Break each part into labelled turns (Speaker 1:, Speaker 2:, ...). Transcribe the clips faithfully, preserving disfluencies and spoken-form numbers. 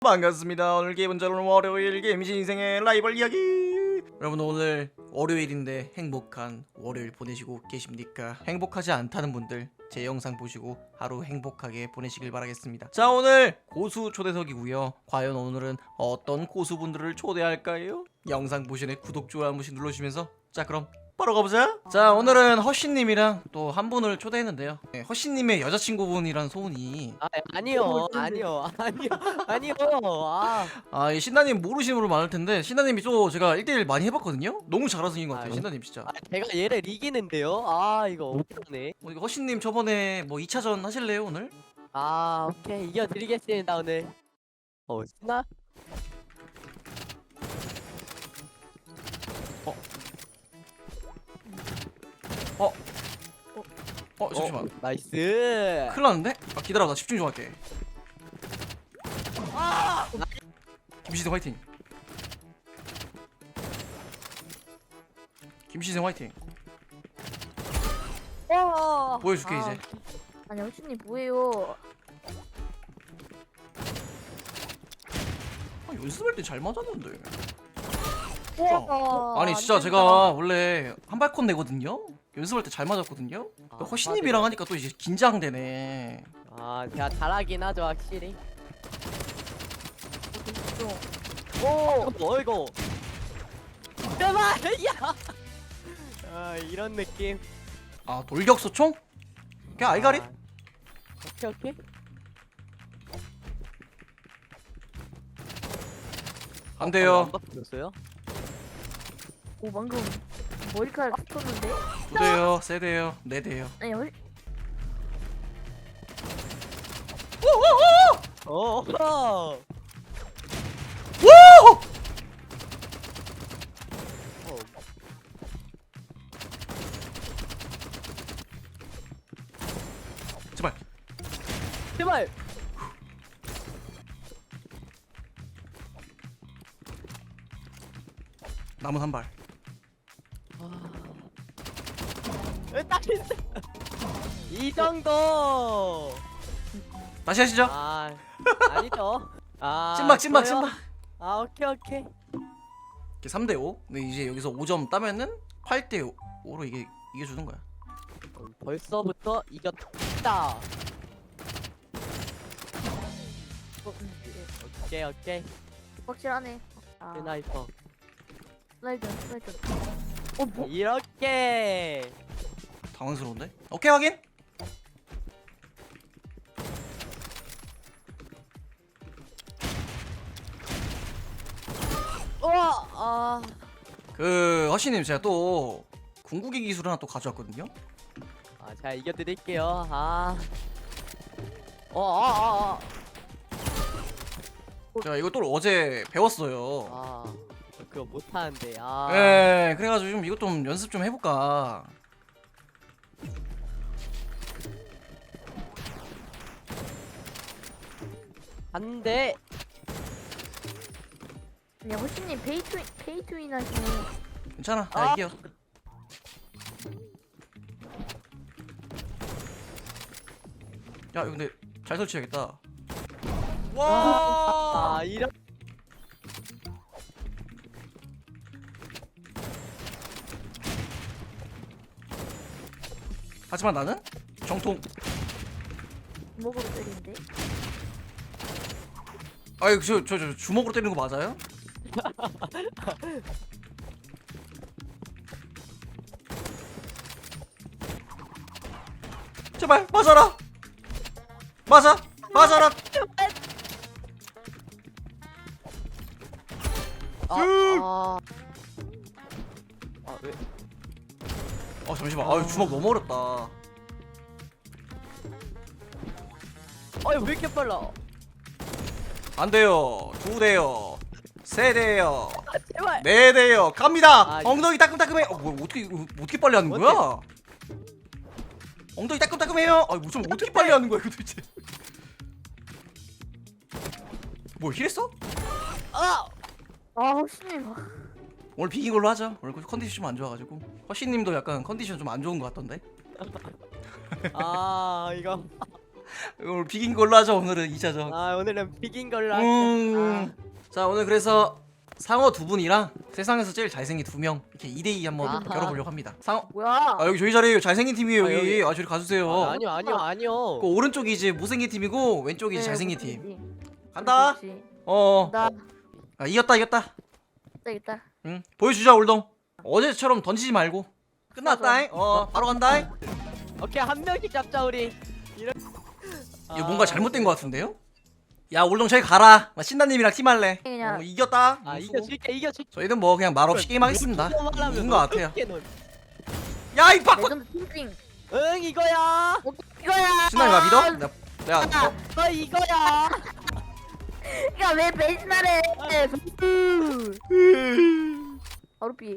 Speaker 1: 반갑습니다. 오늘 기분 좋은 월요일 게임이신 인생의 라이벌 이야기. 여러분 오늘 월요일인데 행복한 월요일 보내시고 계십니까? 행복하지 않다는 분들 제 영상 보시고 하루 행복하게 보내시길 바라겠습니다. 자, 오늘 고수 초대석이고요. 과연 오늘은 어떤 고수분들을 초대할까요? 영상 보시네 구독 좋아요 한 번씩 눌러주시면서 자 그럼 바로 가보자. 자, 오늘은 허씨님이랑 또 한 분을 초대했는데요. 네, 허씨님의 여자친구분이란 소문이
Speaker 2: 아, 아니요, 아니요, 아니요, 아니요. 아,
Speaker 1: 아, 이 신나님 모르시는 분들 많을 텐데 신나님이 또 제가 일 대일 많이 해봤거든요? 너무 잘하신 것 같아요.
Speaker 2: 아,
Speaker 1: 신나님 진짜.
Speaker 2: 아, 제가 얘를 이기는데요. 아, 이거 어떡하네.
Speaker 1: 어, 이거 허씨님 저번에 뭐 이 차전 하실래요 오늘?
Speaker 2: 아, 오케이, 이겨드리겠습니다 오늘. 어, 신나?
Speaker 1: 어? 어? 어 잠시만.
Speaker 2: 어, 나이스.
Speaker 1: 큰일 났는데? 아 기다려, 나 집중 좀 할게.
Speaker 2: 아,
Speaker 1: 김시생 화이팅. 김시생 화이팅.
Speaker 3: 와.
Speaker 1: 보여줄게
Speaker 3: 아,
Speaker 1: 이제.
Speaker 3: 아니 호신님 뭐예요?
Speaker 1: 아, 연습할 때 잘 맞았는데.
Speaker 3: 와.
Speaker 1: 아니
Speaker 3: 안
Speaker 1: 진짜
Speaker 3: 된다.
Speaker 1: 제가 원래 한발콘 내거든요? 연습할 때 잘 맞았거든요?
Speaker 2: 아,
Speaker 1: 허씨님이랑 하니까 또 이제 긴장되네.
Speaker 2: 아, 제가 잘하긴 하죠 확실히.
Speaker 3: 좀.
Speaker 2: 오, 뭐 이거? 제발, 야. 아, 이런 느낌.
Speaker 1: 아, 돌격소총? 그냥 아이가리?
Speaker 2: 아, 오케이 오케이.
Speaker 1: 안 돼요.
Speaker 2: 안 바뀌었어요?
Speaker 3: 오 방금 머리카락 스쳤는데?
Speaker 1: 두 대요, 세 대요, 네 대요.
Speaker 3: 아니 호
Speaker 2: 어. 어.
Speaker 1: 오!
Speaker 2: 어.
Speaker 1: 제발.
Speaker 2: 제발.
Speaker 1: 남은 한 발.
Speaker 2: 왜 딱했어? 이 정도.
Speaker 1: 다시 하시죠.
Speaker 2: 아, 아니죠. 아,
Speaker 1: 찐막, 찐막,
Speaker 2: 저요?
Speaker 1: 찐막.
Speaker 2: 아, 오케이 오케이.
Speaker 1: 이렇게 삼 대 오. 근데 이제 여기서 오 점 따면은 팔 대 오로 이게 이게 주는 거야.
Speaker 2: 음, 벌써부터 이겼다. 오케이 오케이.
Speaker 3: 확실하네. 아,
Speaker 2: 스나이퍼.
Speaker 3: 슬라이드 슬라이드. 어 뭐?
Speaker 2: 이렇게.
Speaker 1: 당황스러운데? 오케이 확인.
Speaker 2: 우와. 아.
Speaker 1: 그 허씨님 제가 또 궁극기 기술 하나 또 가져왔거든요.
Speaker 2: 아, 제가 이겨드릴게요. 아. 어, 아, 아,
Speaker 1: 제가 이거 또 어제 배웠어요.
Speaker 2: 아. 아, 그거 못하는데. 아.
Speaker 1: 예, 그래가지고 좀 이것 좀 연습 좀 해볼까.
Speaker 2: 안 돼.
Speaker 3: 아니 호신님 페이투인 페이투인 하시네.
Speaker 1: 괜찮아, 나
Speaker 2: 아.
Speaker 1: 이겨. 야, 이거 근데 잘 설치해야겠다. 와!
Speaker 2: 아, 이런.
Speaker 1: 하지만 나는 정통.
Speaker 3: 주먹으로 때리는데?
Speaker 1: 아이, 저, 저, 저 주먹으로 때리는 거 맞아요? 제발 맞아라. 맞아, 맞아라.
Speaker 2: 아, 아. 아, 왜?
Speaker 1: 어 잠시만. 아유 주먹 너무 어렵다.
Speaker 2: 아니, 왜 이렇게 빨라?
Speaker 1: 안 돼요. 두 대요. 세 대요.
Speaker 2: 아, 제발.
Speaker 1: 네 대요. 갑니다.
Speaker 2: 아,
Speaker 1: 엉덩이 따끔따끔해. 어, 뭐 어떻게 어떻게 빨리 하는 거야? 엉덩이 따끔따끔해요. 아, 무슨 어떻게 빨리 하는 거야 이거 도대체? 뭘 힐했어?
Speaker 2: 아!
Speaker 3: 아 호신님.
Speaker 1: 오늘 비긴 걸로 하자. 오늘 컨디션 좀 안 좋아가지고. 허씨님도 약간 컨디션 좀 안 좋은 것 같던데.
Speaker 2: 아, 이거.
Speaker 1: 오늘 비긴 걸로 하죠. 오늘은 이 차전.
Speaker 2: 아 오늘은 비긴 걸로 하자.
Speaker 1: 음. 자 오늘 그래서 상어 두 분이랑 세상에서 제일 잘생긴 두 명 이렇게 이 대 이 한번
Speaker 2: 아하.
Speaker 1: 열어보려고 합니다. 상어
Speaker 3: 뭐야?
Speaker 1: 아 여기 저희 자리에요. 잘생긴 팀이에요
Speaker 2: 아,
Speaker 1: 여기.
Speaker 2: 여기.
Speaker 1: 아 저리 가주세요.
Speaker 2: 아, 아니요 아니요 아니요.
Speaker 1: 그 오른쪽이 이제 못생긴 팀이고 왼쪽이 이제
Speaker 3: 네,
Speaker 1: 잘생긴
Speaker 3: 무슨
Speaker 1: 팀.
Speaker 3: 일이지?
Speaker 1: 간다.
Speaker 3: 그렇지.
Speaker 1: 어.
Speaker 3: 나
Speaker 1: 아, 이겼다 이겼다.
Speaker 3: 되겠다.
Speaker 1: 응. 보여주자 올동. 어제처럼 던지지 말고. 끝났다잉. 어 바로 간다잉.
Speaker 2: 오케이 한 명씩 잡자 우리. 이런.
Speaker 1: 이거 뭔가 잘못된 것 같은데요? 야 올동 저기 가라. 나 신나님이랑 팀할래.
Speaker 3: 그냥
Speaker 1: 어, 이겼다.
Speaker 2: 아
Speaker 1: 수고.
Speaker 2: 이겨줄게 이겨줄게.
Speaker 1: 저희는 뭐 그냥 말없이 게임하겠습니다. 이긴 것 같아요.
Speaker 2: 응
Speaker 1: 야 이 바꿔.
Speaker 3: 레전드 팀핑.
Speaker 2: 이거야.
Speaker 3: 어, 이거야.
Speaker 1: 신나님 나 믿어? 나, 야 어,
Speaker 2: 너 이거야.
Speaker 3: 야왜 배신하래? 바로 삐.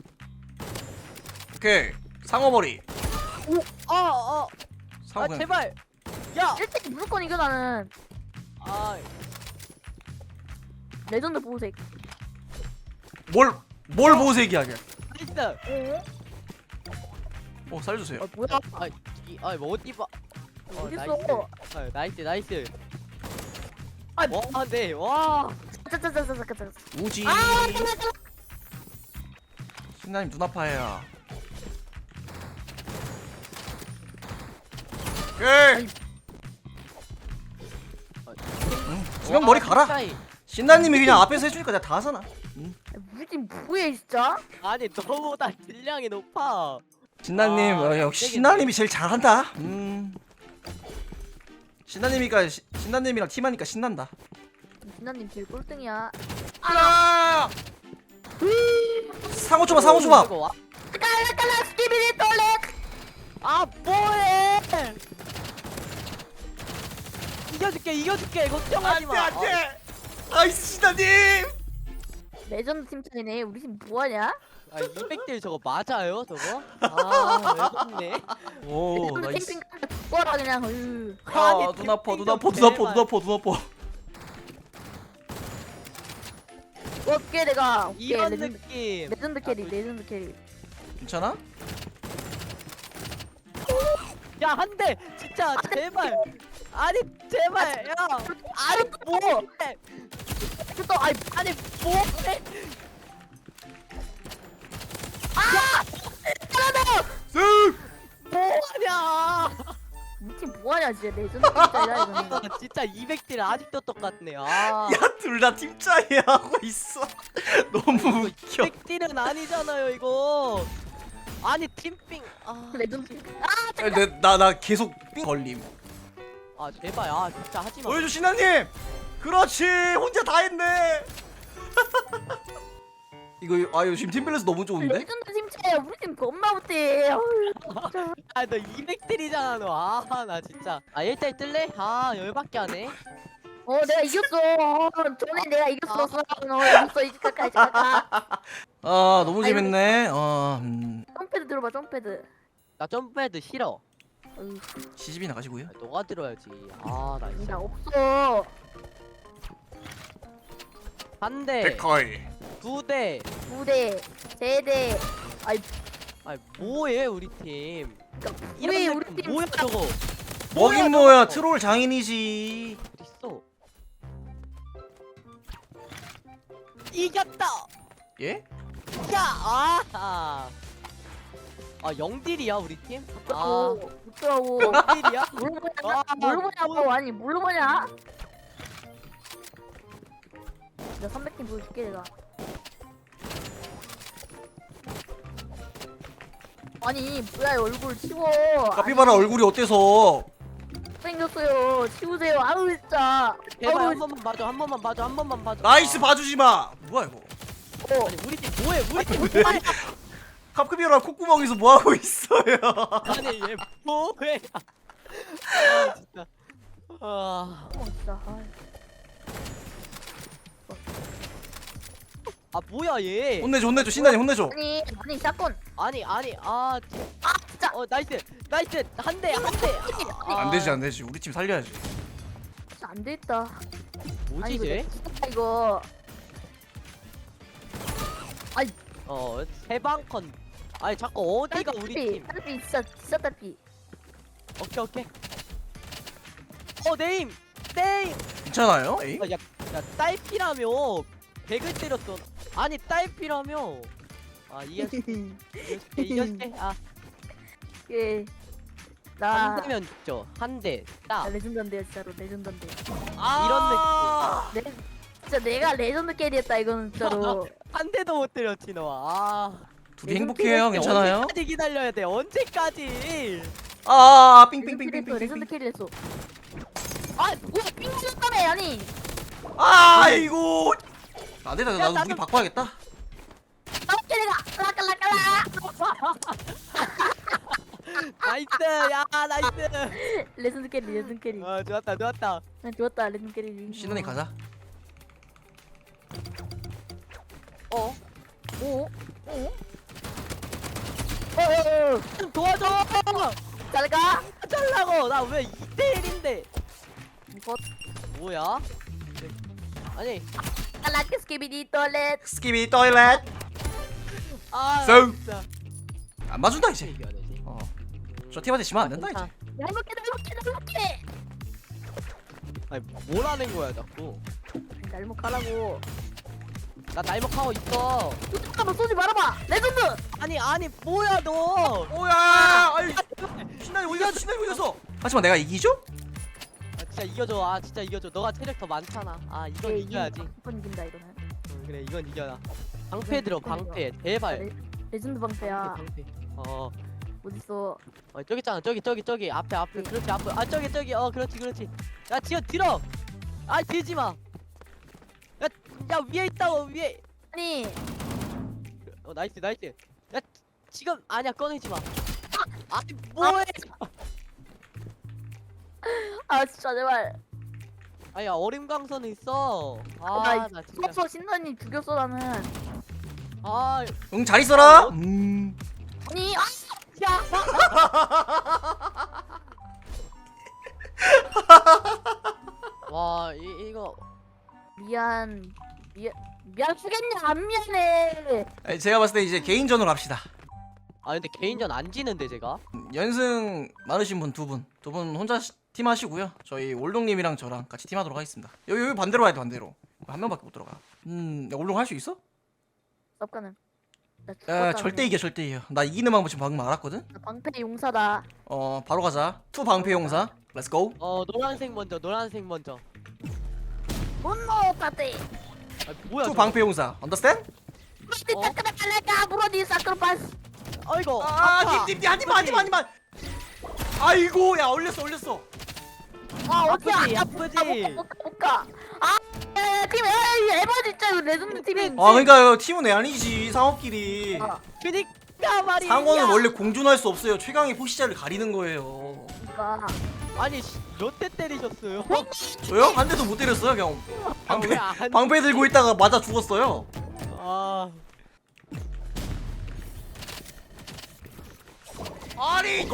Speaker 1: 오케이 상어머리.
Speaker 2: 어 어.
Speaker 1: 상어
Speaker 2: 아
Speaker 1: 그냥
Speaker 2: 제발. 야.
Speaker 3: 일 등 무조건 이겨 나는.
Speaker 2: 아
Speaker 3: 레전드 보호색.
Speaker 1: 뭘뭘 보색이하게.
Speaker 2: 나이스.
Speaker 3: 어?
Speaker 1: 어 살려주세요.
Speaker 3: 아 뭐야?
Speaker 2: 아아뭐 어디 봐. 어,
Speaker 3: 어딨어?
Speaker 2: 나이스. 아, 나이스 나이스.
Speaker 3: 아,
Speaker 2: 와 네. 와.
Speaker 3: 짜짜짜짜짜짜.
Speaker 1: 우지.
Speaker 3: 아,
Speaker 1: 신나님 눈 아파요. 오케이. 지금 머리 가라.
Speaker 2: 사이.
Speaker 1: 신나님이 그냥 앞에서 해주니까 내가 다 하잖아.
Speaker 3: 우리 팀 뭐해 진짜?
Speaker 2: 아니 너보다 질량이 높아.
Speaker 1: 신나님
Speaker 2: 아,
Speaker 1: 어, 역시
Speaker 2: 되겠네.
Speaker 1: 신나님이 제일 잘한다. 음. 신나님이가 시, 신나님이랑 팀하니까 신난다.
Speaker 3: 진나님 제일 꼴등이야.
Speaker 1: 아! 상호 줘봐 상호 줘봐.
Speaker 2: 이거 와.
Speaker 3: 깔라깔라 스키비디 돌렉.
Speaker 2: 아 뭐해? 이겨줄게 이겨줄게 걱정하지 마.
Speaker 1: 나이스 신나님.
Speaker 3: 레전드 팀장이네. 우리 팀 뭐하냐?
Speaker 2: 아, 이백 딜 저거 맞아요 저거? 아 외롭네.
Speaker 1: 오
Speaker 3: 레전드
Speaker 1: 나이스.
Speaker 3: 캠핑 뭐라 그냥. 으.
Speaker 1: 아눈 아파 눈 아파 눈 아파 눈 아파 눈 아파.
Speaker 3: 어깨 내가. 어깨
Speaker 2: 이런
Speaker 3: 레전드.
Speaker 2: 느낌.
Speaker 3: 레전드 캐리
Speaker 2: 아,
Speaker 3: 레전드 캐리.
Speaker 1: 괜찮아?
Speaker 2: 야 한 대 진짜 제발. 아니 제발 야. 아니 뭐해?
Speaker 3: 또 아이
Speaker 2: 아니 뭐해?
Speaker 1: 쓱.
Speaker 2: 뭐하냐?
Speaker 3: 우리 팀 뭐하냐 진짜 레전드 팀장이다 이거는.
Speaker 2: 아, 진짜 이백 딜 아직도 똑같네. 아.
Speaker 1: 야둘 다 팀짜리 하고 있어. 너무 웃겨.
Speaker 2: 이백 딜은 아니잖아요 이거. 아니 팀핑. 아,
Speaker 3: 레전드 팀.
Speaker 1: 나나 나 계속 삥 걸림.
Speaker 2: 아 제발 아 진짜 하지 마.
Speaker 1: 보여줘 신나님. 그렇지 혼자 다 했네. 이거 아 이거 지금 팀밸런스 너무 좋은데?
Speaker 3: 레전드 팀장이야. 우리 팀 겁나 못해. 어휴, 진짜.
Speaker 2: 아 너 이백 딜이잖아 너. 아 나 진짜. 아 일 대 일 뜰래? 아 열받게 하네.
Speaker 3: 어 내가 이겼어. 어, 전에 내가 이겼어. 너 이겼어 이집까지 잠깐.
Speaker 1: 아 너무 재밌네. 어 음,
Speaker 3: 점패드 들어봐 점패드.
Speaker 2: 나 점프해도 싫어.
Speaker 3: 어휴,
Speaker 1: 시집이 나가시고요.
Speaker 2: 아, 너가 들어야지. 아나
Speaker 3: 나
Speaker 2: 진짜.
Speaker 3: 없어.
Speaker 2: 한 대,
Speaker 1: 데카이.
Speaker 2: 두 대.
Speaker 3: 두 대, 세 대. 아이
Speaker 2: 아 뭐해 우리 팀.
Speaker 3: 그러니까
Speaker 2: 이런
Speaker 3: 우리
Speaker 2: 느낌
Speaker 3: 우리 팀
Speaker 2: 뭐야 저거.
Speaker 1: 뭐긴
Speaker 2: 뭐야,
Speaker 1: 뭐야
Speaker 2: 저거.
Speaker 1: 트롤 장인이지.
Speaker 2: 어딨어? 이겼다.
Speaker 1: 예?
Speaker 2: 야 아. 아 영딜이야 우리 팀? 아
Speaker 3: 없더라고. 없더라고.
Speaker 2: 영딜이야?
Speaker 3: 뭘로 보냐?
Speaker 2: 아,
Speaker 3: 뭘로 보냐고 아니 뭘로 보냐? 나 삼백 팀 보여줄게 내가. 아니 뭐야 얼굴 치워.
Speaker 1: 카피바라 얼굴이 어때서?
Speaker 3: 생겼어요. 치우세요. 아우 진짜.
Speaker 2: 제발
Speaker 3: 아우,
Speaker 2: 한 번만 봐줘 한 번만 봐줘 한 번만 봐줘.
Speaker 1: 나이스
Speaker 2: 아.
Speaker 1: 봐주지 마. 뭐야 이거?
Speaker 3: 어.
Speaker 2: 아니 우리 팀 뭐해 우리 팀 뭐해?
Speaker 1: 카피바라 콧구멍에서 뭐 하고 있어요?
Speaker 2: 아니 얘 뭐해? 아 진짜. 아,
Speaker 3: 어 진짜. 아이.
Speaker 2: 아 뭐야 얘?
Speaker 1: 혼내줘 혼내줘 신나니 혼내줘.
Speaker 3: 아니 아니 사건.
Speaker 2: 아니 아니 아,
Speaker 3: 아 진짜.
Speaker 2: 어 나이스 나이스 한 대 한 대. 아,
Speaker 1: 안 되지 안 되지 우리 팀 살려야지.
Speaker 3: 진짜 안 되겠다.
Speaker 2: 뭐지
Speaker 3: 아니, 이거
Speaker 2: 쟤?
Speaker 3: 진짜 이거.
Speaker 2: 어 세방컨. 아니 자꾸 어디가 우리 팀?
Speaker 3: 딸피 진짜 진짜 딸피.
Speaker 2: 오케이 오케이. 어 네임 네임.
Speaker 1: 괜찮아요? 에이?
Speaker 2: 아, 야, 야 딸피라며 백을 때렸어. 아니 딸피라며. 아 이겨줄게 이겨줄게 이겨줄게. 아
Speaker 3: 예. 나
Speaker 2: 한 대면 죽죠. 한 대.
Speaker 3: 나
Speaker 2: 딱.
Speaker 3: 레전드인데 진짜로 레전드인데.
Speaker 1: 아
Speaker 2: 이런
Speaker 3: 내 진짜 내가 레전드 캐리했다 이거는 진짜로.
Speaker 2: 한 대도 못 때렸지 너. 아.
Speaker 1: 둘이 행복해요. 괜찮아요?
Speaker 2: 언제까지 기다려야 돼? 언제까지?
Speaker 1: 아
Speaker 3: 레전드 캐리했어. 레전드
Speaker 1: 삥삥삥삥삥삥.
Speaker 3: 캐리했어. 아 뭐야 삥 쳤다며 아니.
Speaker 1: 아이고. 안 되다.
Speaker 2: 야,
Speaker 1: 나도
Speaker 2: 나도-
Speaker 1: 무기 바꿔야겠다.
Speaker 3: 나 캐리가 라깔라깔라.
Speaker 2: 나이스. 야 나이스.
Speaker 3: 레전드 캐리 레전드 캐리.
Speaker 2: 아 좋았다 좋았다.
Speaker 3: 난 좋았다 레전드 캐리.
Speaker 1: 신원이 가자.
Speaker 2: 어?
Speaker 3: 오. 오. 어.
Speaker 2: 좀 도와줘.
Speaker 3: 잘 가.
Speaker 2: 잘라고. 나 왜 이 대 일인데?
Speaker 3: 이거
Speaker 2: 뭐야? 아니.
Speaker 3: 라켓 스키비디 토일렛.
Speaker 1: 스키비 토일렛.
Speaker 2: 아
Speaker 1: 성.
Speaker 2: 진짜.
Speaker 1: 안 맞준다
Speaker 2: 어떻게
Speaker 1: 이제.
Speaker 2: 이겨야 되지?
Speaker 1: 어. 저 팀한테 지면 안 된다
Speaker 2: 괜찮아.
Speaker 1: 이제.
Speaker 3: 날먹게 날먹게 날먹게.
Speaker 2: 아니 뭘 하는 거야 자꾸.
Speaker 3: 날먹하라고.
Speaker 2: 나 날먹하고 있어.
Speaker 3: 잠깐만 쏘지 말아봐. 레전드.
Speaker 2: 아니 아니 뭐야 너?
Speaker 1: 오야. 아이 신나이 어디 갔어? 신나이 어디 갔어? 하지만 내가 이기죠?
Speaker 2: 아, 진짜 이겨줘. 아 진짜 이겨줘. 너가 체력 더 많잖아. 아 이건 이겨야지.
Speaker 3: 한번 이긴다 이거는.
Speaker 2: 응, 그래 이건 이겨라. 방패 들어 방패. 제발.
Speaker 3: 레, 레전드 방패야.
Speaker 2: 방패. 어.
Speaker 3: 어딨어?
Speaker 2: 어 저기 있잖아. 저기 저기 저기 앞에 앞에. 그렇지 앞에. 아 저기 저기. 어 그렇지 그렇지. 야 지금 들어. 아 들지 마. 야, 야 위에 있다고 위에.
Speaker 3: 아니
Speaker 2: 어 나이스 나이스. 야 지금 아니야 꺼내지 마. 아, 아니 뭐해?
Speaker 3: 아 진짜 제발.
Speaker 2: 아야 얼음강선은 있어.
Speaker 3: 나
Speaker 2: 아나 진짜.
Speaker 3: 수업서 신나님 죽였어 나는.
Speaker 2: 아
Speaker 1: 응 잘 있어라.
Speaker 2: 어?
Speaker 1: 음.
Speaker 3: 아니 아 야.
Speaker 2: 와 이, 이거
Speaker 3: 미안 미안 미안 죽겠냐 안 미안해.
Speaker 1: 아니, 제가 봤을 때 이제 개인전으로 합시다.
Speaker 2: 아 근데 개인전 안 지는데 제가.
Speaker 1: 연승 많으신 분 두 분, 두 분 혼자 시- 팀 하시고요. 저희 올동님이랑 저랑 같이 팀하도록 하겠습니다. 여기 여기 반대로 와야 돼 반대로. 한 명밖에 못 들어가. 음, 야, 올동 할 수 있어?
Speaker 3: 쌉가는. 나
Speaker 1: 야,
Speaker 3: 죽었다,
Speaker 1: 절대
Speaker 3: 그냥.
Speaker 1: 이겨, 절대 이겨. 나 이기는 방법 지금 방금 알았거든.
Speaker 3: 나 방패 용사다.
Speaker 1: 어, 바로 가자. 투 방패 용사. 렛츠 고.
Speaker 2: 어 노란색 먼저 노란색 먼저.
Speaker 3: 분노 파티.
Speaker 2: 아 뭐야?
Speaker 1: 투
Speaker 2: 저거.
Speaker 1: 방패 용사. 언더스탠?
Speaker 3: 무디
Speaker 2: 어?
Speaker 3: 타카라칼라카 브로디 사크로파스.
Speaker 2: 아이고.
Speaker 1: 아,
Speaker 2: 아파.
Speaker 1: 팀팀팀 하지마, 하지마, 하지마. 아이고, 야, 올렸어, 올렸어.
Speaker 3: 아 어디야?
Speaker 2: 아프지,
Speaker 3: 아,
Speaker 2: 아프지.
Speaker 3: 못가. 아, 야, 팀 에이 에바 진짜 이거 레전드 팀이.
Speaker 1: 아, 그러니까 팀은 애 아니지. 상업끼리.
Speaker 3: 아,
Speaker 2: 그니까 말이야.
Speaker 1: 상어는 원래 공존할 수 없어요. 최강의 포시자를 가리는 거예요.
Speaker 3: 그러니까.
Speaker 2: 아니 몇 대 때리셨어요?
Speaker 1: 저요? 한 대도 못 때렸어요. 그냥 방패
Speaker 2: 왜안
Speaker 1: 방패 들고 있다가 맞아 죽었어요.
Speaker 2: 아.
Speaker 1: 아니,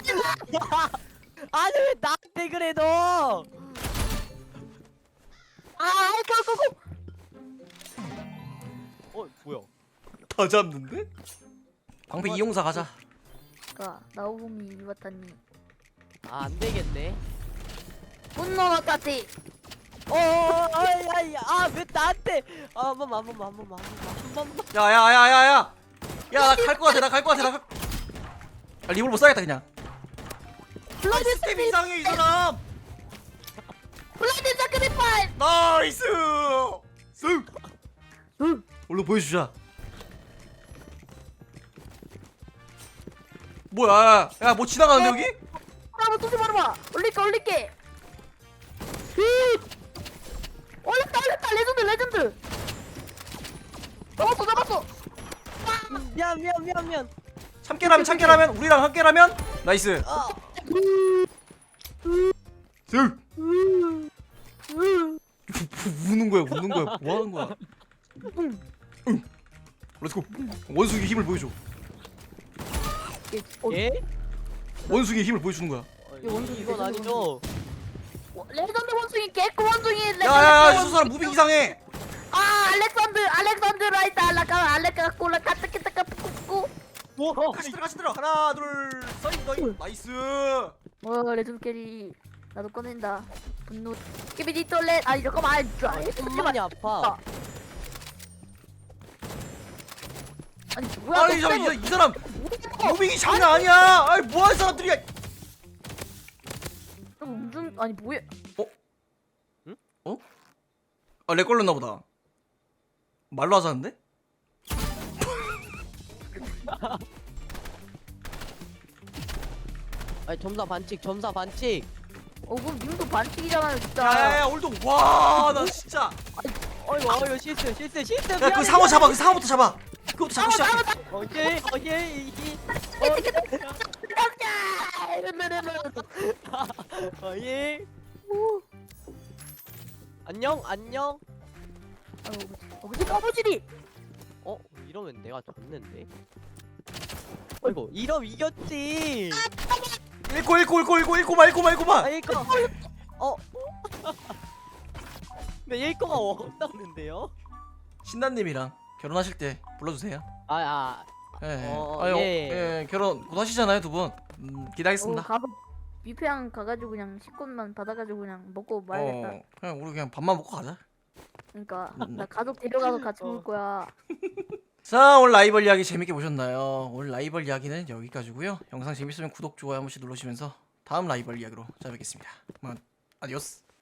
Speaker 2: 아니 왜 나한테 그래 너?
Speaker 3: 아, 고고고.
Speaker 2: 어 뭐야?
Speaker 1: 다 잡는데? 방패 이용사 가자.
Speaker 3: 가 나오미 이와타니.
Speaker 2: 아 안 되겠네.
Speaker 3: 분노 파티.
Speaker 2: 어, 아야야, 아왜 나한테? 아, 한 번만, 한 번만, 한 번만, 한 번만, 한 번만.
Speaker 1: 야야야야야. 야, 나 갈 것 같아. 나 갈 것 같아. 나 갈... 아, 리볼 못 사겠다 그냥.
Speaker 3: 블라디
Speaker 1: 스텝 이상해 이 사람.
Speaker 3: 블라디 사크리파이스.
Speaker 1: 나이스. 쓱.
Speaker 3: 응.
Speaker 1: 얼른 보여주자. 뭐야? 야, 뭐 지나가는데 여기?
Speaker 3: 한번 쏘지 말아봐. 올릴게 올릴게. 휘. 올렸다 올렸다 레전드 레전드. 잡았어 잡았어.
Speaker 2: 미안, 미안, 미안, 미안.
Speaker 1: 참깨라면 참깨라면 우리랑 함께라면 나이스.
Speaker 2: 아,
Speaker 1: 쓱. 우는 거야, 우는 거야. 뭐 하는 거야? 응. 렛츠고. 원숭이 힘을 보여줘.
Speaker 3: 어,
Speaker 2: 예?
Speaker 1: 원숭이 힘을 보여주는 거야.
Speaker 2: 어,
Speaker 3: 원숭이,
Speaker 2: 이건
Speaker 3: 레전드
Speaker 2: 아니죠.
Speaker 3: 레전드 원숭이 개코 원숭이 레전드
Speaker 1: 야야야, 저
Speaker 3: 원숭이.
Speaker 1: 사람 무빙 이상해.
Speaker 3: 아 알렉산드 알렉산드 라이트 알라카 알레카 콜라 카타키타카 뿌꾸.
Speaker 2: 뭐?
Speaker 1: 같이 들어, 같이 들어. 하나, 둘, 셋, 너희 나이스.
Speaker 3: 와 레전드 캐리. 나도 꺼낸다. 분노. 끼비디 톨렛. 아니 잠깐만.
Speaker 2: 아, 손만이 아파.
Speaker 3: 아니 뭐야?
Speaker 1: 아니
Speaker 3: 너
Speaker 1: 저, 이,
Speaker 3: 때문에
Speaker 1: 이 사람
Speaker 3: 뭐야?
Speaker 1: 무빙이 장난 아니야. 아니 뭐하는 사람들이야.
Speaker 3: 너 무슨 아니 뭐야?
Speaker 1: 아 렉 걸렸나 보다. 말로 하자는데?
Speaker 2: 아니 점사 반칙 점사 반칙.
Speaker 3: 어 그럼 님도 반칙이잖아요 진짜.
Speaker 1: 야야야 올드 와나 진짜.
Speaker 2: 어이구 어이구 실수 실수 실수.
Speaker 1: 야 그 상어 잡아 그 상어부터 잡아. 그거부터 잡고 시작해.
Speaker 2: 오케이 오케이 이기. 어이. 안녕 안녕.
Speaker 3: 어 무슨 까부지리?
Speaker 2: 어 이러면 내가 졌는데. 어이구 이러면 이겼지.
Speaker 1: 읽고 읽고 읽고 읽고 읽고 마 읽고 마 읽고 마.
Speaker 2: 아 일거. 어. 네 일거가 없다는데요?
Speaker 1: 신나님이랑 결혼하실 때 불러주세요.
Speaker 2: 아 아.
Speaker 1: 예.
Speaker 2: 어,
Speaker 1: 아, 예.
Speaker 2: 예.
Speaker 1: 예. 결혼 곧 하시잖아요 두 분. 음,
Speaker 3: 어
Speaker 1: 기대하겠습니다.
Speaker 3: 가서 뷔페랑 가가지고 그냥 식권만 받아가지고 그냥 먹고 말겠다.
Speaker 1: 어, 그냥 우리 그냥 밥만 먹고 가자.
Speaker 3: 그러니까
Speaker 1: 음.
Speaker 3: 나 가족 데려가서 같이
Speaker 2: 어.
Speaker 3: 먹을 거야.
Speaker 1: 자 오늘 라이벌 이야기 재밌게 보셨나요? 오늘 라이벌 이야기는 여기까지고요. 영상 재밌으면 구독 좋아요 한 번씩 눌러주시면서 다음 라이벌 이야기로 찾아뵙겠습니다. 그만 아디오스.